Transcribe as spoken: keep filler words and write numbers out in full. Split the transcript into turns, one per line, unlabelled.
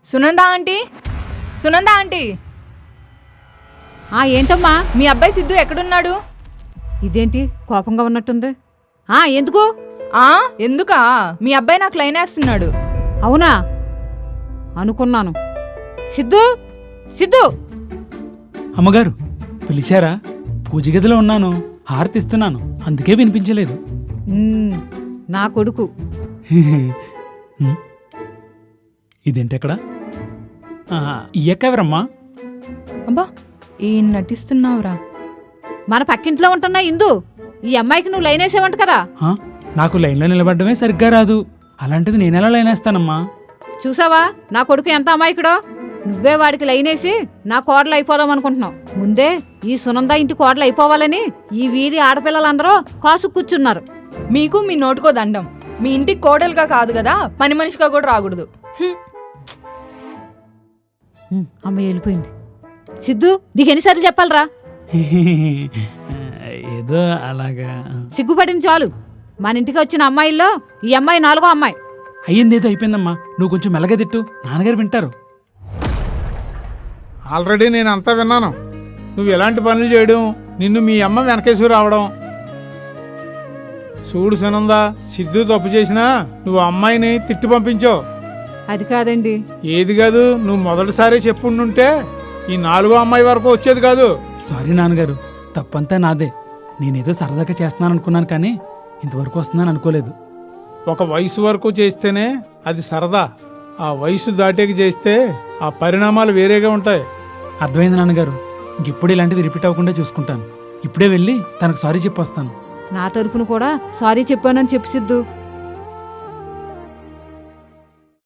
Sunanda aunty, Sunanda aunty.
ఆ ఏంటమ్మా?
మీ అబ్బాయి సిద్ధు ఎక్కడున్నాడు?
ఇదేంటి కోపంగా ఉన్నట్టుంది? ఆ ఎందుకు?
ఆ ఎందుకా? మీ అబ్బాయి నాకు లైన్ వేస్తున్నాడు.
అవునా? అనుకున్నాను. సిద్ధు, సిద్ధు.
అమ్మగారు పిలిచారా? పూజ గదిలో ఉన్నాను, హారతిస్తున్నాను, అందుకే వినిపించలేదు.
ఉమ్, నా కొడుకు.
హ్మ్. ఇదేంటెక్కడ? ఈ ఎక్కవరమ్మా?
అబ్బా ఏం నటిస్తున్నావురా?
మన పక్కింట్లో ఉంటున్నా ఇందు. ఈ అమ్మాయికి నువ్వు లైన్ వేసావంట కదా?
ఆ, నాకు లైన్లో నిలబడ్డమే సరిగ్గా రాదు, అలాంటిది నేనెలా లైన్ వేస్తానమ్మా?
చూసావా నా కొడుకు ఎంత అమాయకుడో? నువ్వే వాడికి లైనేసి నా కోడలు అయిపోదాం అనుకుంటున్నావు. ముందే ఈ సునంద ఇంటి కోడలు అయిపోవాలని ఈ వీధి ఆడపిల్లలందరూ కాసు కూర్చున్నారు.
మీకు మీ నోటుకో దండం. మీ ఇంటికి కోడలుగా కాదు కదా, పని మనిషిగా కూడా రాకూడదు. హ్మ్.
ఉమ్, అమ్మ వెళ్ళిపోయింది. సిద్ధు, నీకు ఎన్నిసార్లు చెప్పాలరా?
ఏదో అలాగా.
సిగ్గుపడింది చాలు. మన ఇంటికి వచ్చిన అమ్మాయిల్లో ఈ అమ్మాయి నాలుగో అమ్మాయి.
అయ్యిందేదో అయిపోయిందమ్మా, నువ్వు కొంచెం మెల్లగా తిట్టు, నాన్నగారు వింటారు.
ఆల్రెడీ నేను అంతా విన్నాను. నువ్వు ఎలాంటి పనులు చేయడం, నిన్ను మీ అమ్మ వెనకేసుకు రావడం. చూడు సునంద, సిద్ధు తప్పు చేసినా నువ్వు అమ్మాయిని తిట్టి పంపించావు.
అది కాదండి.
ఏది కాదు, నువ్వు మొదటిసారి చెప్పుండుంటే ఈ నాలుగో అమ్మాయి వరకు వచ్చేది కాదు.
సారీ నాన్నగారు, తప్పంతా నాదే. నేనేదో సరదాగా చేస్తున్నాను అనుకున్నాను, కానీ ఇంతవరకు వస్తున్నాను అనుకోలేదు.
ఒక వయసు వరకు చేస్తేనే అది సరదా. ఆ వయసు దాటేకి చేస్తే ఆ పరిణామాలు వేరేగా ఉంటాయి.
అర్థమైంది నాన్నగారు, ఇంకెప్పుడు ఇలాంటివి రిపీట్ అవ్వకుండా చూసుకుంటాను. ఇప్పుడే వెళ్ళి తనకు సారీ చెప్పొస్తాను.
నా తరపున కూడా సారీ చెప్పానని చెప్పు సిద్ధు.